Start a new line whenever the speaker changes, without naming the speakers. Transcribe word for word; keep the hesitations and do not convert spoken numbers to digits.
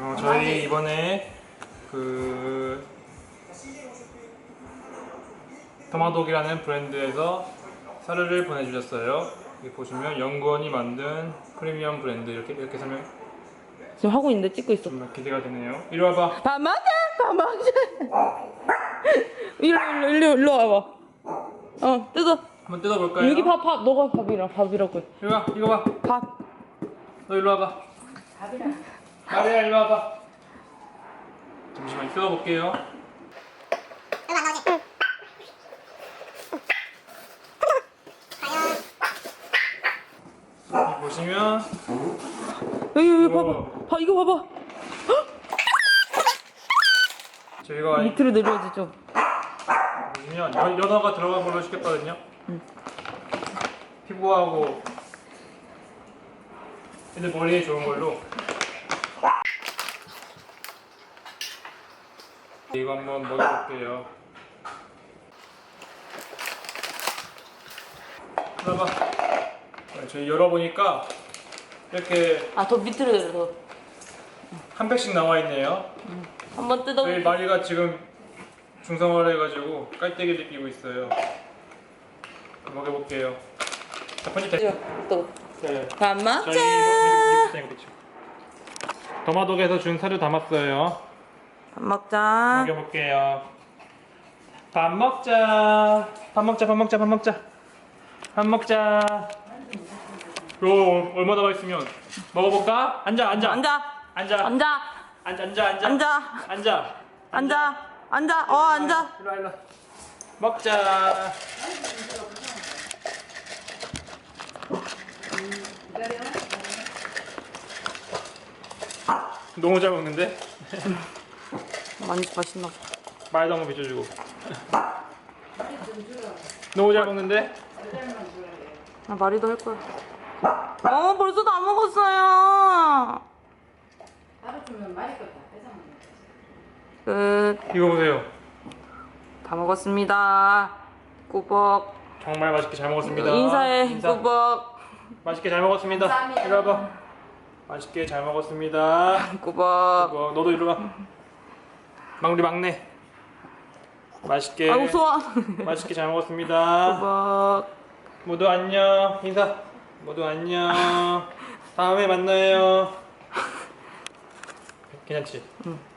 어, 저희 이번에 그 더마독이라는 브랜드에서 사료를 보내주셨어요. 여기 보시면 연구원이 만든 프리미엄 브랜드 이렇게 이렇게 설명.
지금 하고 있는데 찍고 있어.
정말 기대가 되네요. 이리 와봐.
밥 먹자, 밥 먹자. 일로 일로 일로 일로 와봐. 어 뜯어.
한번 뜯어볼까요?
여기 밥 밥. 너가 밥이라 밥이라고.
이리 와, 이거 봐.
밥.
너 일로 와봐.
밥이라.
마리아 일로 와봐. 잠시만 뜯어볼게요. 여기 보시면
여기 여기
우와.
봐봐. 봐 이거 봐봐.
저희가
밑으로 내려야지 좀.
보시면 연- 연어가 들어간 걸로 시켰거든요.
응.
피부하고 애들 머리에 좋은 걸로. 이거 한번 먹어볼게요. 봐봐. 저희 열어보니까 이렇게
아 더 밑으로 내려.
한 팩씩 나와 있네요.
한번 뜯어.
저희 마리가 지금 중성화를 해가지고 깔때기를 끼고 있어요. 먹어볼게요. 자, 편집됐어요.
또.
네.
밥 먹자.
저희 이거 이거 이거 더마독에서 준 사료 담았어요.
밥 먹자.
먹여볼게요. 밥 먹자. 밥 먹자. 밥 먹자. 밥 먹자. 밥 먹자. 요 얼마나 맛있으면 먹어볼까? 앉아 앉아
앉아.
앉아
앉아.
앉아 앉아 앉아
앉아.
앉아
앉아. 앉아. 어 앉아.
일로 와 일로 와. 먹자. 너무 잘 먹는데?
많이 맛있나 봐.
말도 한번 비춰주고. 너무 잘 먹는데?
아 말이도 할 거야. 어 벌써 다 먹었어요.
따로 주면 말이 거다 뺏어 먹는
끝.
이거 보세요.
다 먹었습니다. 꾸벅.
정말 맛있게 잘 먹었습니다.
인사해.
인사.
꾸벅.
맛있게 잘 먹었습니다.
감사합니다.
이리 와봐. 맛있게 잘 먹었습니다.
꾸벅.
뭐, 너도 이리 와. 막우리 막내. 맛있게.
아이고 소화.
맛있게 잘 먹었습니다.
꾸벅.
모두 안녕. 인사. 모두 안녕. 다음에 만나요. 괜찮지?
응.